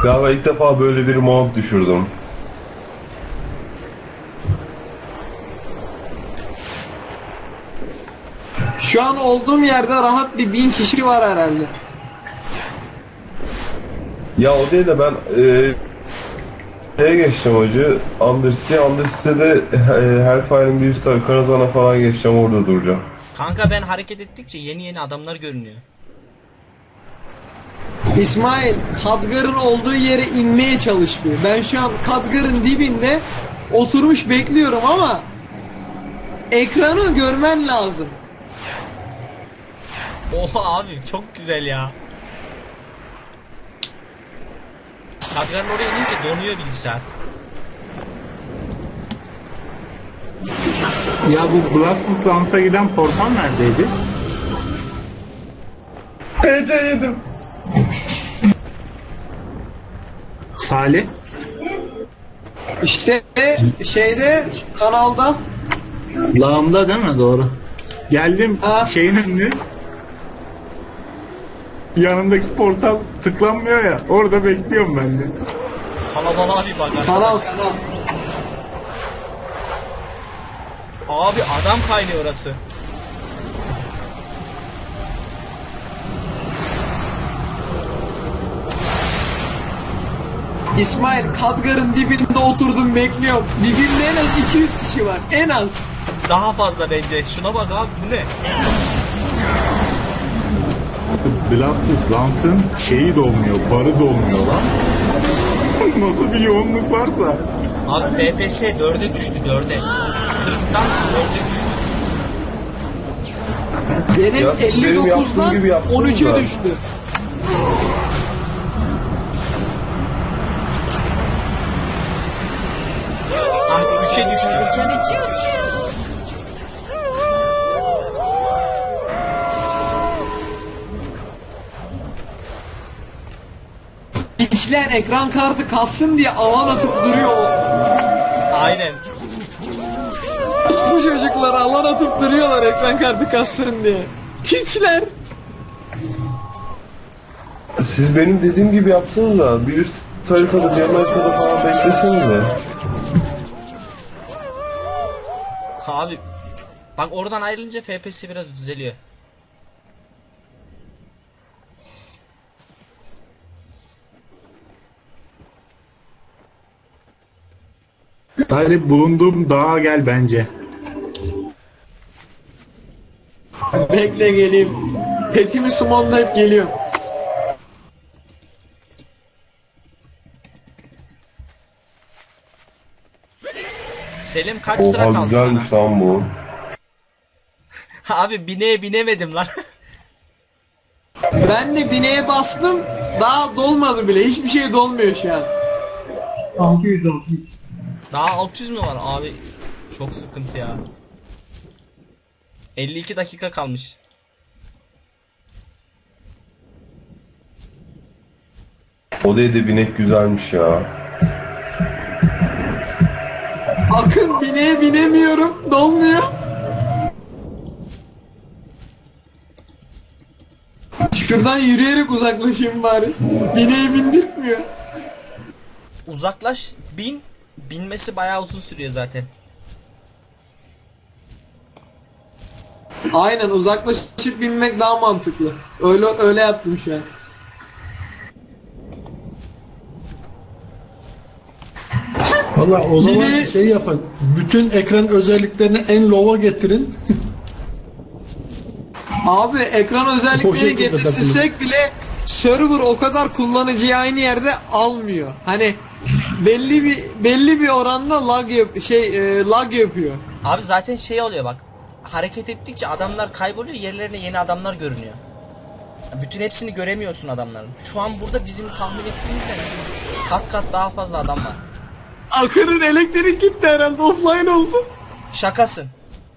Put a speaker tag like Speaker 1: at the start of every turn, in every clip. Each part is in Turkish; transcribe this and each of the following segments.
Speaker 1: Galiba ilk defa böyle bir mod düşürdüm.
Speaker 2: Şu an olduğum yerde rahat bir 1000 kişi var herhalde.
Speaker 1: Ya o değil de ben şeye geçtim hacı. Undercity'de Hellfire'ın bir üst Karazhan'a falan geçeceğim, orada duracağım.
Speaker 3: Kanka ben hareket ettikçe yeni adamlar görünüyor.
Speaker 2: İsmail, Khadgar'ın olduğu yere inmeye çalışmıyor. Ben şu an Khadgar'ın dibinde oturmuş bekliyorum ama ekranı görmen lazım.
Speaker 3: Oha abi çok güzel ya. Kadranın oraya inince donuyor bilgisayar.
Speaker 4: Ya bu Blasphemous Lance'a giden portal neredeydi?
Speaker 1: PC yedim.
Speaker 4: Salih?
Speaker 2: İşte şeyde kanalda.
Speaker 4: Lağımda değil mi? Doğru. Geldim
Speaker 2: Ha.
Speaker 4: şeyin önüne. Yanındaki portal tıklanmıyor ya. Orada bekliyorum ben de.
Speaker 3: Kalabalığa bir bak arkadaş.
Speaker 2: Kanal.
Speaker 3: Abi adam kaynıyor orası.
Speaker 2: İsmail, Khadgar'ın dibinde oturdum bekliyorum. Dibimde en az 200 kişi var. En az.
Speaker 3: Daha fazla bence. Şuna bak abi bu ne?
Speaker 4: Blasphemous Lance'ın şeyi dolmuyor, barı dolmuyor lan. Nasıl bir yoğunluk varsa.
Speaker 3: Abi FPS 4'e düştü 4'e. 40'tan 4'e düştü.
Speaker 2: Benim
Speaker 1: Ya, benim yaptığım
Speaker 2: 59'dan
Speaker 1: gibi yaptınız
Speaker 2: 13'e
Speaker 1: da.
Speaker 2: düştü.
Speaker 3: Ah 3'e düştü.
Speaker 2: İçler ekran kartı kassın diye alan atıp duruyor.
Speaker 3: Aynen.
Speaker 2: Bu çocuklar alan atıp duruyorlar ekran kartı kassın diye. Piçler.
Speaker 1: Siz benim dediğim gibi yaptınız da bir üst haritada, diğer haritada falan beklesenize.
Speaker 3: Abi bak oradan ayrılınca FPS biraz düzeliyor.
Speaker 4: Hadi bulunduğum dağa gel bence.
Speaker 2: Bekle geleyim. Fethimi sumonlayıp geliyorum.
Speaker 3: Selim kaç sıra
Speaker 1: Oha
Speaker 3: kaldı
Speaker 1: güzelmiş
Speaker 3: sana?
Speaker 1: lan bu.
Speaker 3: Abi bineğe binemedim lan.
Speaker 2: Ben de bineğe bastım. Daha dolmadı bile. Hiçbir şey dolmuyor şu an. 600.
Speaker 3: Daha 600 mü var abi? Çok sıkıntı ya. 52 dakika kalmış.
Speaker 1: O değil de binek güzelmiş ya.
Speaker 2: Akın bineğe binemiyorum. Dolmuyor. Şuradan yürüyerek uzaklaşayım bari. Bineği bindirtmiyor.
Speaker 3: Uzaklaş, bin. Binmesi bayağı uzun sürüyor zaten.
Speaker 2: Aynen, uzaklaşıp binmek daha mantıklı. Öyle yaptım şu an.
Speaker 5: Valla o zaman
Speaker 2: Yine-
Speaker 5: şey yapın. Bütün ekran özelliklerini en low'a getirin.
Speaker 2: Abi ekran
Speaker 5: O
Speaker 2: özellikleri
Speaker 5: şekilde
Speaker 2: getirsek bile server o kadar kullanıcıyı aynı yerde almıyor. Hani belli bir oranda lag yapıyor.
Speaker 3: Abi zaten şey oluyor bak. Hareket ettikçe adamlar kayboluyor, yerlerine yeni adamlar görünüyor. Bütün hepsini göremiyorsun adamların. Şu an burada bizim tahmin ettiğimizden kat daha fazla adam var.
Speaker 2: Akın'ın elektrik gitti herhalde, offline oldu.
Speaker 3: Şakasın.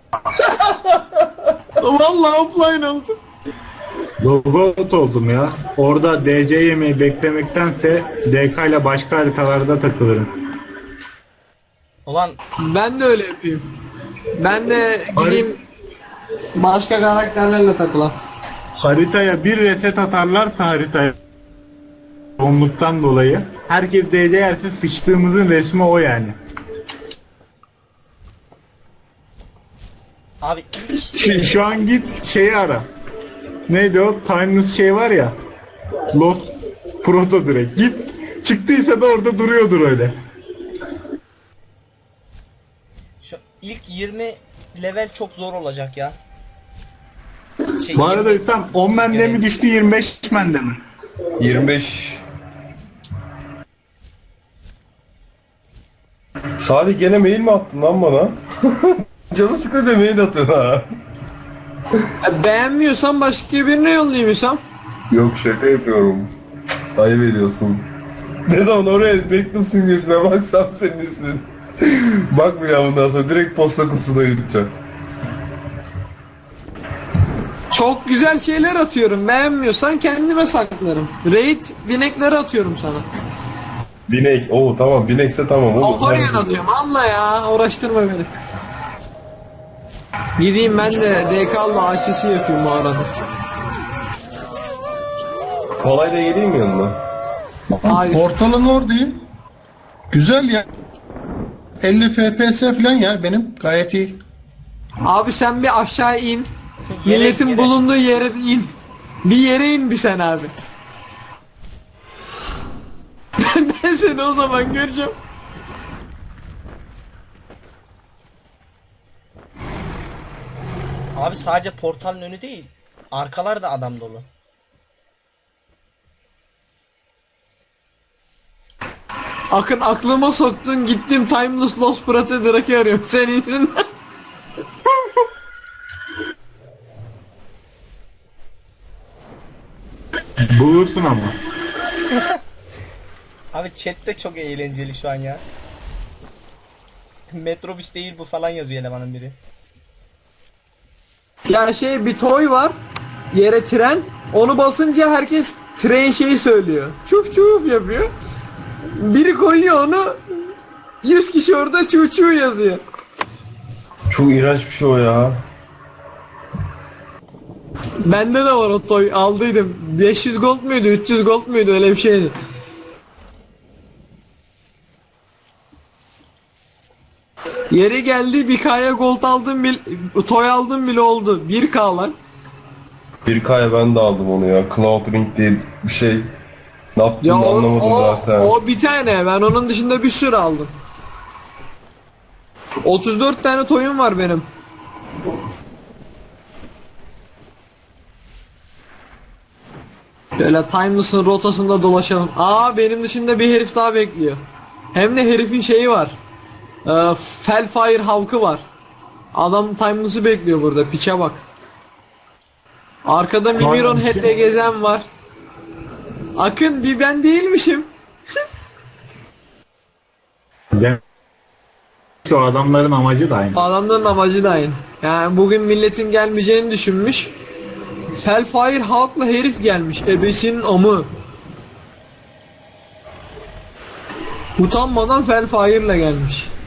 Speaker 2: Vallahi offline oldu.
Speaker 4: Robot oldum ya. Orada DC yemeği beklemektense DK ile başka haritalarda takılırım.
Speaker 3: Ulan
Speaker 2: Ben de öyle yapayım. Ben de gideyim başka karakterlerle takılan.
Speaker 4: Haritaya bir reset atarlarsa haritaya yoğunluktan dolayı Herkes DC yerse sıçtığımızın resmi o yani.
Speaker 3: Abi ilk
Speaker 4: Şu an git şeyi ara. Neydi o? Timeless şey var ya. Lost Proto direkt. Git. Çıktıysa da orada duruyordur öyle.
Speaker 3: şu ilk 20 level çok zor olacak ya.
Speaker 4: Bu arada
Speaker 3: 20
Speaker 4: sen 10 mende mi düştü 25 mende mi?
Speaker 1: 25. Salih gene mail mi attın lan bana? Canı sıkınca mail atın ha.
Speaker 2: Beğenmiyorsan başka birine yollayayım Hüsam.
Speaker 1: Yok şaka yapıyorum. Ayıp ediyorsun. Ne zaman oraya mektup simgesine baksam senin ismin. Bakmayacağım bundan sonra direkt posta kutusuna gideceğim.
Speaker 2: Çok güzel şeyler atıyorum. Beğenmiyorsan kendime saklarım. Raid binekleri atıyorum sana.
Speaker 1: Binek. Oo tamam binekse tamam. Olur.
Speaker 2: Alparian atıyorum. Allah ya uğraştırma beni. Gideyim ben de DK'lı AŞ'si yapayım bu arada.
Speaker 1: Kolay da geleyim mi yanına?
Speaker 2: Hayır.
Speaker 5: Portalın oradayım. Güzel ya. 50 FPS falan ya benim gayet iyi.
Speaker 2: Abi sen bir aşağı in.
Speaker 3: Yere-
Speaker 2: Milletin
Speaker 3: yere-
Speaker 2: bulunduğu yere bir in. Bir yere in bir sen abi. Ben seni o zaman göreceğim.
Speaker 3: Abi sadece portalın önü değil. Arkalar da adam dolu.
Speaker 2: Akın aklıma soktun gittim Timeless Lost Prate Drake'ı arıyorum senin yüzünden.
Speaker 4: Bulursun ama.
Speaker 3: Abi chat de çok eğlenceli şu an ya. Metrobüs değil bu falan yazıyor elemanın biri.
Speaker 2: Ya şey bir toy var. Yere tren. Onu basınca herkes tren şeyi söylüyor. Çuf çuf yapıyor. Biri koyuyor onu. 100 kişi orada çuf çuf yazıyor.
Speaker 1: Çok iğrenç bir şey o ya.
Speaker 2: Bende de var o toy. Aldıydım. 500 gold muydu? 300 gold muydu? Öyle bir şeydi. Yeri geldi 1K'ya gold aldım toy aldım bile oldu. 1K lan.
Speaker 1: 1K'ya ben de aldım onu ya. Cloud Ring diye bir şey. Ne
Speaker 2: Ya
Speaker 1: yaptığını anlamadım zaten.
Speaker 2: o bir tane. Ben onun dışında bir sürü aldım. 34 tane toyum var benim. Böyle Timeless'ın rotasında dolaşalım. Aa benim dışında bir herif daha bekliyor. Hem de herifin şeyi var. Felfire Havk'ı var. Adam Timeless'ı bekliyor burada. Piçe bak. Arkada Mimiron Head'le gezen var. Akın bir ben değilmişim.
Speaker 4: Demek ki o adamların amacı da aynı.
Speaker 2: Adamların amacı da aynı. Yani bugün milletin gelmeyeceğini düşünmüş. Felfire Hulk'la herif gelmiş. Ebesinin amı. Utanmadan Felfire'la gelmiş.